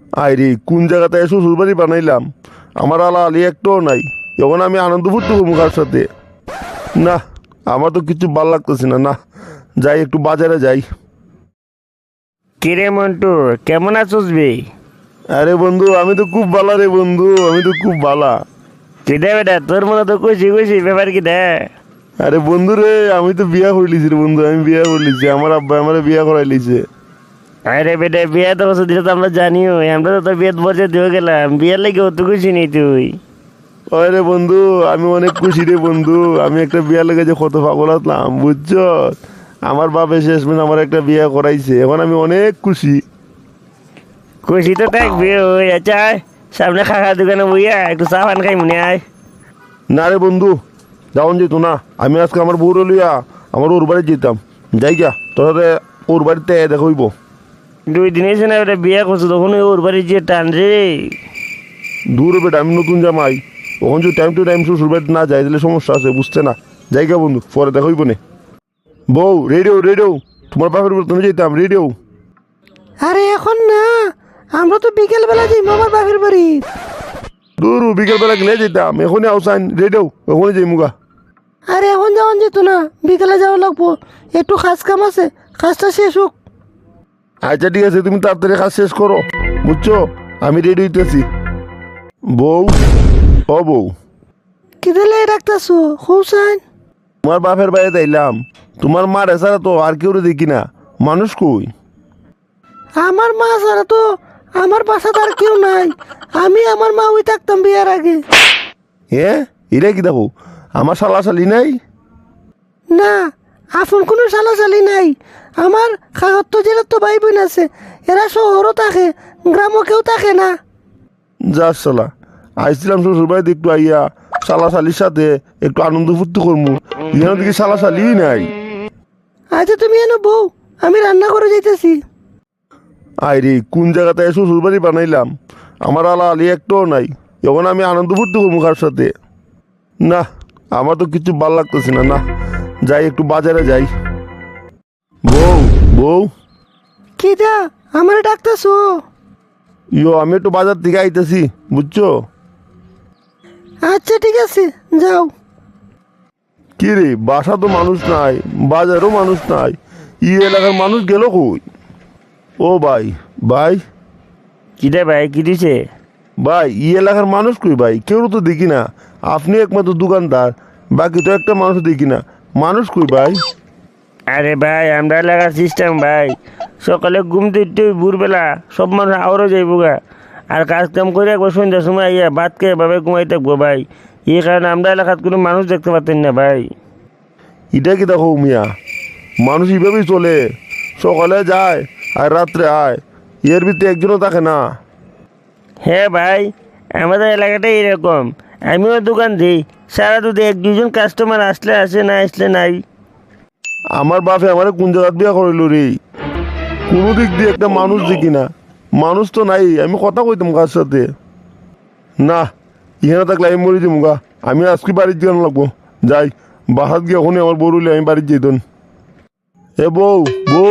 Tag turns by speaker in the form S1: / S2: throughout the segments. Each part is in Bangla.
S1: আইরে কোন জায়গাতে শ্বশুর বাড়ি বানাইলাম, আমার আলা আলি একটাও নাই। এখন আমি আনন্দ ফুর্তি করবো কার সাথে? না, আমার তো কিছু ভাল লাগতেছে না। না, যাই একটু বাজারে যাই।
S2: কিরে মন্টু, কেমন আছোস বে?
S1: আরে বন্ধু, আমি তো খুব ভালো রে বন্ধু, আমি তো খুব ভালো।
S2: কিরে বেটা, তোর মনে তো খুশি খুশি ব্যাপার কি দে?
S1: আরে বন্ধু রে, আমি তো বিয়া করে লিছি রে বন্ধু, আমি বিয়া করে লিছি, আমার আব্বা আমার বিয়া করাই লিছে।
S2: আরে বেটা, বিয়ে তো বছর দিলে তো আমরা জানিও, আমরা তো তোর বিয়ে বছর দিয়ে গেলাম, বিয়ের লেগে অত খুশি নেই তুই?
S1: ওই রে বন্ধু, আমি অনেক খুশি রে বন্ধু। আমি একটা বিয়া লেগে যে কত পাগল আসলাম বুঝছো। আমার বাপে শেষমেশ আমার একটা বিয়া করাইছে, এখন আমি অনেক খুশি।
S2: খুশি তো থাকবি, ওই আচ্ছা আয়, সামনে খাখা দোকানে বইয়া একটু চা পান খাই মনে আয়।
S1: না রে বন্ধু, যাওন যেত না। আমি আজকে আমার বউরে লইয়া আমার ওর বাড়ি যেতাম। যাই গা, তোরে ওর বাড়িতে দেখইব।
S2: 2 দিন এসে না বেটা বিয়ে করছো, তখন ওর বাড়ি যে টান রে।
S1: দূর বেটা, আমি নতুন জামাই। ওখান যদি টাইম টু টাইম শ্বশুর বাড়িতে না যায় তাহলে সমস্যা আছে, বুঝছে না? যাই গা বন্ধু, পরে দেখইব নে। বউ রেডিও রেডিও, তোমার বাপের বাড়ি তুমি যেতাম রেডিও।
S3: আরে এখন না, আমরা তো বিকেল বেলা যাই মামার বাপের বাড়ি।
S1: দূর বিকেলবেলা গেলে যেতাম, এখনই আউসাইন রেডিও, এখনই যাই মুগা।
S3: আরে এখন যাওয়ান যেত না, বিকেলে যাওয়া লাগবো, একটু কাজ কাম আছে, কাজটা শেষ হোক।
S1: আচ্ছা ঠিক আছে, তুমি তাড়াতাড়ি কাজ শেষ করো, বুঝছো? আমি রেডি হইতেছি। বউ, ও বউ,
S3: কি দিলে রাখতেছো হুসাইন?
S1: তোমার বাপের বাড়িতে আইলাম, তোমার মার এছাড়া তো আর কেউ দেখি না। মানুষ কই?
S3: আমার মা ছাড়া তো আমার বাসাতে আর কেউ নাই। আমি আমার মা ওই থাকতাম বিয়ার আগে।
S1: হ্যাঁ, এরা কি দেখো, আমার শালা শালি নাই?
S3: না, আপন কোনো সালাসালি নাই। আমার খাগত তো জেলার তো ভাই বোন আছে, এরা শহরও থাকে, গ্রামও কেউ থাকে না।
S1: যার শালা, আইছিলাম শ্বশুর বাড়িতে একটু আইয়া শালা শালির সাথে একটু আনন্দ ফুর্তি করবো, এখানে দেখি শালা শালি নাই।
S3: আচ্ছা তুমি এনো বউ, আমি রান্না করে যাইতেছি।
S1: আইরে কোন জায়গাতে শ্বশুর বাড়ি বানাইলাম, আমার আলা আলি একটাও নাই। এখন আমি আনন্দ ফুর্তি করবো কার সাথে? না, আমার তো কিছু ভাল লাগতেছে না। না, যাই একটু বাজারে যাই। বউ বউ,
S3: কি দা আমার ডাকতেছো?
S1: আমি একটু বাজার থেকে আইতেছি, বুঝছো?
S3: আচ্ছা ঠিক আছে, যাও।
S1: কি রে, বাসা তো মানুষ নাই, বাজারও মানুষ নাই, এলাকার মানুষ গেল কই? ও ভাই, ভাই,
S2: কিরে ভাই, কি দিছে?
S1: ভাই, এলাকার মানুষ কই ভাই? কেউ তো দেখি না। আপনি একমাত্র দোকানদার, বাকি তো একটা মানুষ দেখি না। মানুষ কই ভাই?
S2: আরে ভাই, আমরা এলাকার সিস্টেম ভাই, সকালে ঘুম থেকে ভোরবেলা সব মানুষ আওয়ারও যাইবো গা, আর কাজ কাম করে একবার সন্ধ্যার সময় আইয়া ভাত খেয়ে এভাবে ঘুমাই থাকবো ভাই। এই কারণে আমরা এলাকার কোনো মানুষ দেখতে পাচ্ছেন না ভাই।
S1: এটা কি দেখো মিয়া, মানুষ এইভাবেই চলে, সকালে যায় আর রাত্রে আয়, এর ভিতরে একজনও থাকে না।
S2: হ্যাঁ ভাই, আমাদের এলাকাটাই এরকম। আমিও দোকান দিই, সারা দুধে 1-2জন কাস্টমার আসলে আসে, না আসলে নাই।
S1: আমার বাপে আমার কোন জায়গায় বিয়া করিল রে, কোনো দিক দিয়ে একটা মানুষ দেখি না। মানুষ তো নাই, আমি কথা কইতাম কার সাথে? না, এখানে থাকলে আমি মরে যাবো গা। আমি আজকে বাড়ির দিকে লাগবো। যাই, বাসাত গিয়ে ওখানে আমার বউ রইলে আমি বাড়ির যেতন। এ বউ বউ,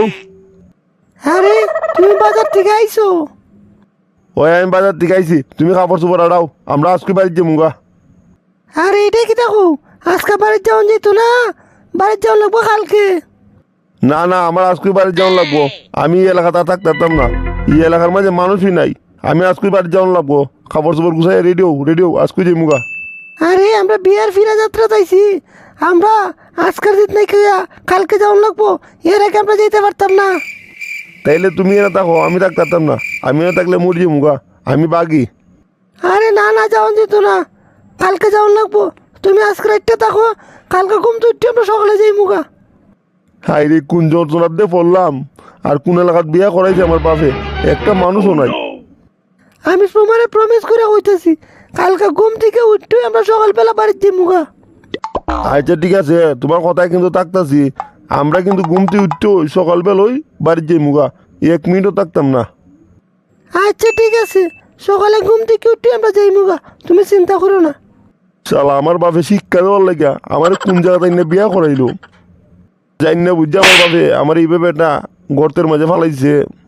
S3: আরে তুমি বাজার থেকে আইছো?
S1: ওই আমি বাজার থেকে আইছি, তুমি কাপড় চোপড় আড়াও, আমরা আজকে বাড়ির যাবো গা।
S3: আরে এটা কি দেখো, আজকে বাড়ির যাওয়ান যেত না, বাড়ির যাওয়ান লাগবো কালকে।
S1: না না, আমার আজকে বাড়ি যাওয়ান লাগবো। আমি এই এলাকাতে আর থাকতাম না, এই এলাকার মাঝে মানুষই নাই। আমি আজকে বাড়ি যাওয়ান লাগবো, কাপড় চোপড় গুছাই রেডিও রেডিও, আজকে যাই মুগা।
S3: আরে আমরা বিয়ার ফিরা যাত্রা চাইছি, আমরা আজকের দিন নাই খেয়া কালকে যাওয়ান লাগবো, এর আগে আমরা যেতে পারতাম না।
S1: তাইলে তুমি এনে থাকো, আমি থাকতাম না। আমি এনে থাকলে মরে যাবো গা, আমি বাগি।
S3: আরে না না, যাওয়ান যেত না, কালকে যাওয়ান লাগবো। তুমি আজকে রাতটা থাকো, কালকে ঘুম তো উঠতে আমরা সকালে যাই মুগা।
S1: হাই রে, কোন যন্ত্রণার দিয়ে পড়লাম, আর কোন এলাকার বিয়া করাইছে আমার বাপে, একটা মানুষও নাই।
S3: আমি তোমারে প্রমিস করে হইতেছি, কালকে ঘুম থেকে উঠতে আমরা সকালবেলা বাড়ির যাই মুগা।
S1: আচ্ছা ঠিক আছে, তোমার কথায় কিন্তু থাকতাছি। আমরা কিন্তু ঘুমতে উঠতে সকালবেলায় বাড়ির যাই মুগা, 1 মিনিটও থাকতাম না।
S3: আচ্ছা ঠিক আছে, সকালে ঘুম থেকে উঠতে আমরা যাই মুগা, তুমি চিন্তা করো না।
S1: শালা, আমার বাপে শিক্ষা দেওয়ার লেগা আমার কোন জায়গাতে না বিয়া করাইলো, জানি না বুঝছে আমার বাপে আমার এইভাবে একটা গর্তের মাঝে ফালাইছে।